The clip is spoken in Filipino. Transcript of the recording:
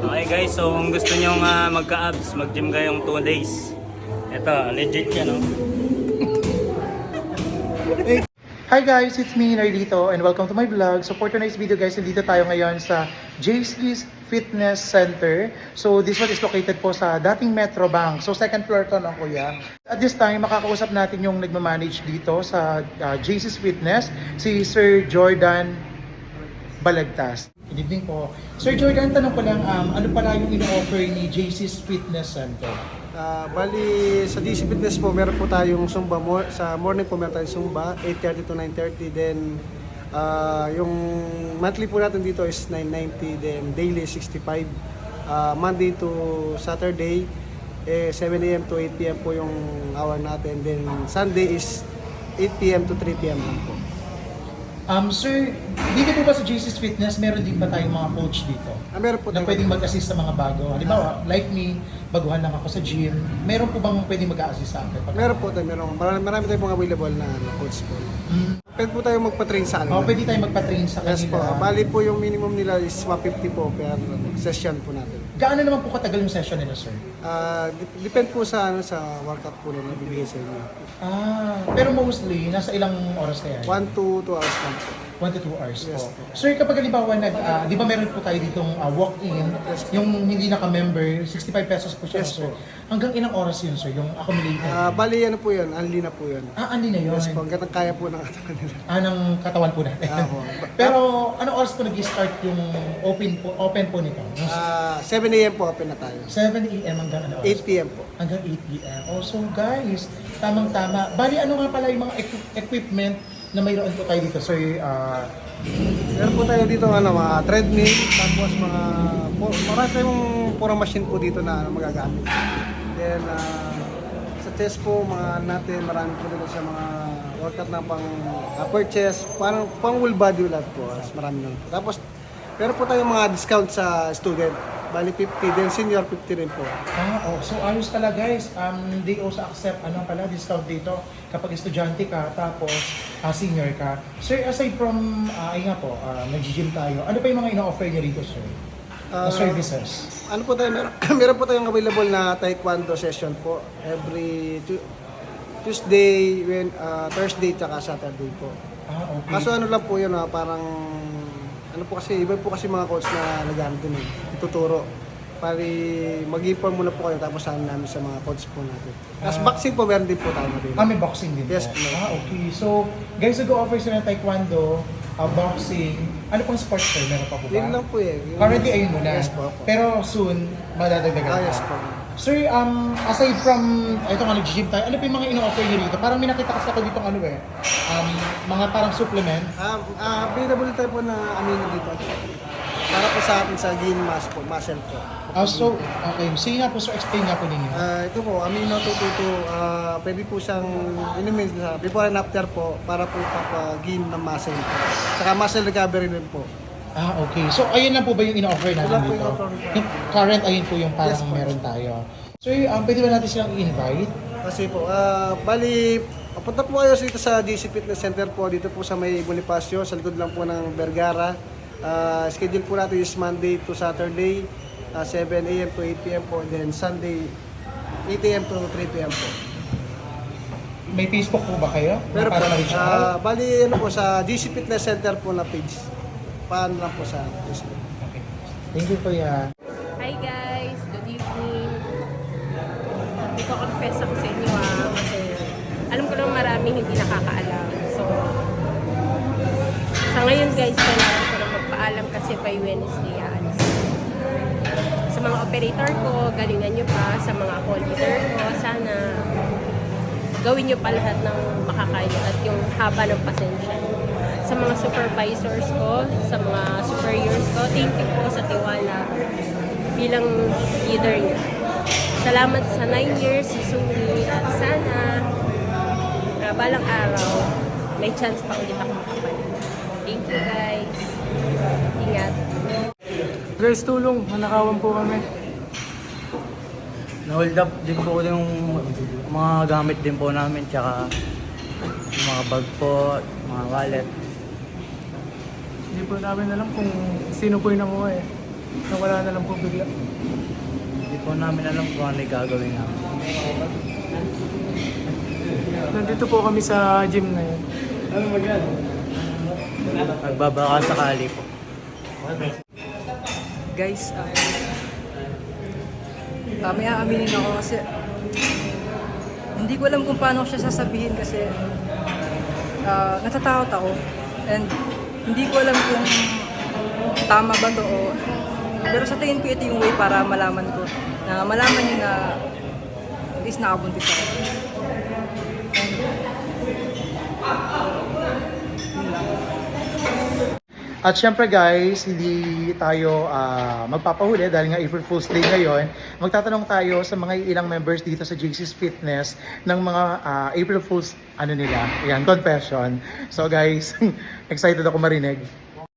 Okay guys, so kung gusto nyo magka-abs, mag-gym kayong 2 days. Ito, legit yan, no? Hi guys, it's me, Nardito, and welcome to my vlog. So for tonight's video guys, nandito tayo ngayon sa JC's Fitness Center. So this one is located po sa dating Metro Bank. So second floor to, no kuya? At this time, makakausap natin yung nagmamanage dito sa JC's Fitness, si Sir Jordan Balagtas. Good evening po. Sir Jordan, tanong ko lang, ano pala yung ino-offer ni JC's Fitness Center? Bali, sa DC Fitness po, meron po tayong Zumba. Sa morning po meron tayong Zumba, 8:30 to 9:30. Then, yung monthly po natin dito is 990. Then, daily 65. Monday to Saturday, 7 a.m. to 8 p.m. po yung hour natin. Then, Sunday is 8 p.m. to 3 p.m. lang po. Sir, dito po ba sa JC's Fitness, meron din ba tayong mga coach dito? Meron po Na tayo. pwedeng mag-assist sa mga bago. Halimbawa, like me, baguhan lang ako sa gym. Meron po bang pwedeng mag-assist sa akin? Meron po tayo. Marami tayong mga available na coach po. Pwede po tayo magpa-train sa kanila. Pwede tayo magpa-train sa kanila. Yes po. Bali po yung minimum nila is 150 po per session po natin. Gaano naman po katagal yung session nila, sir? Depend po sa workout po nila bibigay sa inyo. Pero mostly, nasa ilang oras kaya? 1 to 2 hours lang po. 1 to 2 hours Yes, po. Sir, kapag halimbawa, di ba meron po tayo ditong walk-in, yung hindi naka-member, 65 pesos po siya, Yes, sir. po. Hanggang ilang oras yun, sir, yung accumulated? Bali ano po yun, unli na po yun. Andi na yun. Yes po, hanggang kaya po ng katawan nila. Ng katawan po natin. Oo. Pero anong oras po nag-start yung open po nito? 7 a.m. po open na tayo. 7 a.m. hanggang ano oras? 8 p.m. po. Hanggang 8 p.m. Oh, so guys, tamang-tama. Bali, ano nga pala yung mga equipment na mayroon po tayo dito, sir? Meron po tayo dito mga treadmill, tapos marami tayong purang machine po dito na magagamit. Then sa chest po, natin marami po dito sa mga workout na pang upper chest, parang pang full body lahat po, marami na po. Tapos meron po tayong mga discount sa student. Bali 50, then senior 50 rin po. So ayos pala guys. They also accept discount dito kapag estudyante ka tapos senior ka. Sir, aside from nag-gym tayo, ano pa yung mga ino-offer niyo rito, sir? Na services? Ano po tayo, meron po tayong available na taekwondo session po every Tuesday, Thursday, tsaka Saturday po. Okay. Kaso ano lang po yun, parang ano po kasi, iba po kasi mga coach na nagamit din ituturo. Pari mag-inform muna po kayo tapos saan namin sa mga coach po natin. Tapos boxing po, meron din po tayo din. May boxing din Yes, po. po. Okay. So, guys, nag-offer sila ng taekwondo, boxing. Ano pong sports, sir? Meron pa po ba? Yun lang po eh. Currently, ayun muna. Yes po. Pero soon, madadagdagan Yes po. Sir, aside from, ito nga nag-gym tayo, ano pa yung mga ino-offer nyo dito? Parang may nakita kasi ako dito mga parang supplement. Available tayo po na amino dito. Para po sa atin sa gain mass po, muscle po. So, okay. Sige nga po, sir, explain nga po ninyo. Ito po, amino 222, pwede po siyang inumin sa before and after po para po gain ng muscle po. Saka muscle recovery rin po. Okay. So, ayun lang po ba yung ino-offer natin Wala po dito? yung offer. Yung current, ayun po yung parang Yes po. meron tayo. Sir, pwede ba natin silang i-invite? Kasi po, bali, papunta po kayo dito sa DC Fitness Center po, dito po sa may Bonifacio, sa likod lang po ng Vergara. Schedule po natin is Monday to Saturday, 7 a.m. to 8 p.m. po, then Sunday, 8 a.m. to 3 p.m. po. May Facebook po ba kayo? Pero po, para ma-reach out? bali, ano po, sa DC Fitness Center po na page. Paano lang po sa Facebook. Okay. Thank you, kuya. Hi guys, good evening. Iko-confess ako sa inyo kasi alam ko lang maraming hindi nakakaalam. So, sa ngayon guys, kailangan ko lang magpaalam kasi by Wednesday aalis. Sa mga operator ko, galingan nyo pa. Sa mga call leader ko, sana gawin nyo pa lahat ng makakaya at yung haba ng pasensya. Sa mga supervisors ko, sa mga superiors ko, thank you po sa tiwala bilang leader niyo. Salamat sa 9 years si Sumi at sana balang araw may chance pa ulit ako makapalit. Thank you guys. Ingat. Guys, tulong. Manakawan po kami. Na-hold up din po yung mga gamit din po namin, tsaka yung mga bag po, mga wallet. Hindi po namin alam kung sino po yung nakuha eh. Nawala na lang po bigla. Hindi po namin alam kung ano yung gagawin namin. Nandito po kami sa gym na yun. Nagbabaka sakali po. Guys, may aaminin ako kasi hindi ko alam kung paano ko siya sasabihin kasi natatakot ako and hindi ko alam kung tama ba to o pero sa tingin ko ito yung way para malaman ko na malaman niyo na at least nakabuntis ako. At syempre guys, hindi tayo magpapahuli dahil nga April Fool's Day ngayon. Magtatanong tayo sa mga ilang members dito sa JC's Fitness ng mga April Fool's nila, confession. So guys, excited ako marinig.